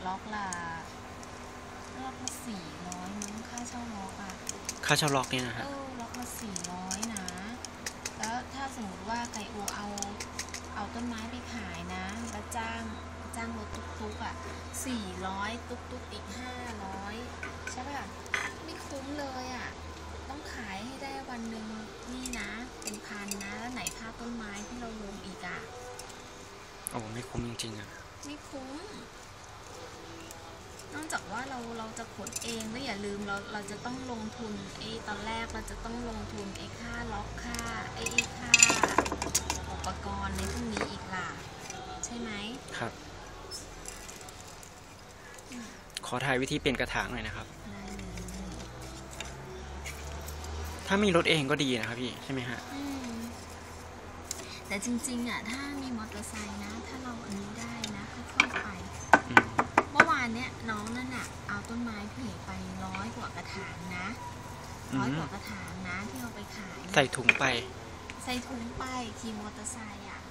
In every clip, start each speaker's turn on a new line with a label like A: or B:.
A: ล็อกละ400มั้งค่าเช่าล็อกอะ
B: ค่าเช่าล็อกเนี่ยนะฮะ
A: ล็อกละ400นะแล้วถ้าสมมติว่าไก่อูเอาต้นไม้ไปขายนะแล้วจ้างรถตุ๊กๆอ่ะ400ตุ๊กอีก500ใช่ป่ะไม่คุ้มเลยอ่ะต้องขายให้ได้วันหนึ่งนี่นะเป็นพันนะแล้วไหนค่าต้นไม้ที่เราลงอีกอ่ะ
B: โอ้ไม่คุ้มจริงๆอ่ะ
A: ไม่คุ้มนอกจากว่าเราจะขนเองแล้วอย่าลืมเราจะต้องลงทุนตอนแรกเราจะต้องลงทุนค่าล็อกค่าค่าอุปกรณ์ในพวกนี้อีกล่ะใช่ไหม
B: ครับขอถ่ายวิธีเปลี่ยนกระถางหน่อยนะครับถ้ามีรถเองก็ดีนะครับพี่ใช่ไหมฮะ
A: แต่จริงๆอ่ะถ้ามีมอเตอร์ไซค์นะถ้าเราอันนี้ได้นะค่อยๆไปเมื่อวานเนี้ยน้องนั่นอ่ะเอาต้นไม้เพ่ไป100 กว่ากระถางนะ100 กว่ากระถางนะที่เอาไปขาย
B: ใส่ถุงไป
A: ขี่มอเตอร์ไซค์อ่ะ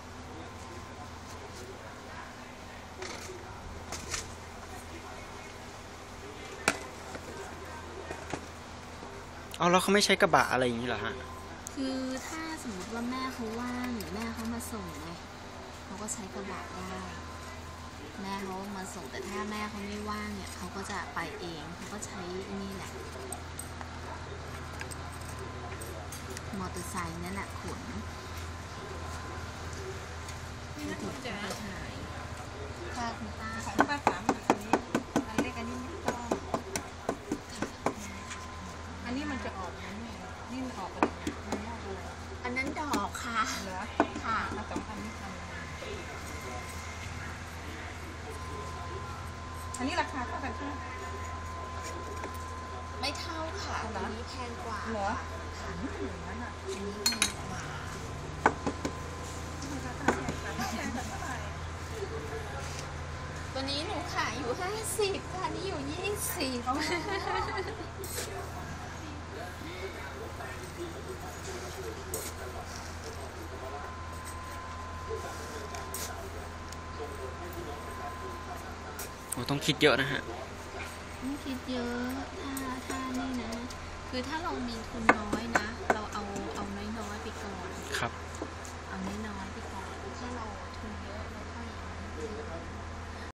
B: เอาแล้วเขาไม่ใช้กระบะอะไรอย่างนี้เหรอฮะ
A: คือถ้าสมมติว่าแม่เขาว่างหรือแม่เขามาส่งไงเขาก็ใช้กระบะได้แม่เขามาส่งแต่ถ้าแม่เขาไม่ว่างเนี่ยเขาก็จะไปเองเขาก็ใช้นี่แหละมอเตอร์ไซค์นั่นแหละขนไม่ถูกจะถ่ายค่าคุณป้า
C: ของป้าสามอันนี้อันเล็กอันนี้ไม่ต้องอันนี้มันจะออกนะเนี่ยนี่มันออกไปมันไม่ออกเลย
A: อันนั้นดอกค่ะ
C: เหรอ
A: ค่ะ
C: มา2,000นี่1,000อันนี้ราคาเท่ากันใช่ไหม
A: ไม่เท่าค่ะอันนี้แพงกว่า
C: เหรออย่างนั้นอ่ะ
A: อันนี้แพงกว่าตัวนี้หนูขายอยู่50ค่ะนี่อยู่20
B: โอ้ต้องคิดเยอะนะฮะ
A: ไม่คิดเยอะถ้านี่นะคือถ้าเรามีทุนน้อยนะเราเอาน้อยๆไปก่อน
B: ครับ
A: เอาน้อยๆไปก่อนถ้าเราทุนเยอะเราค่อย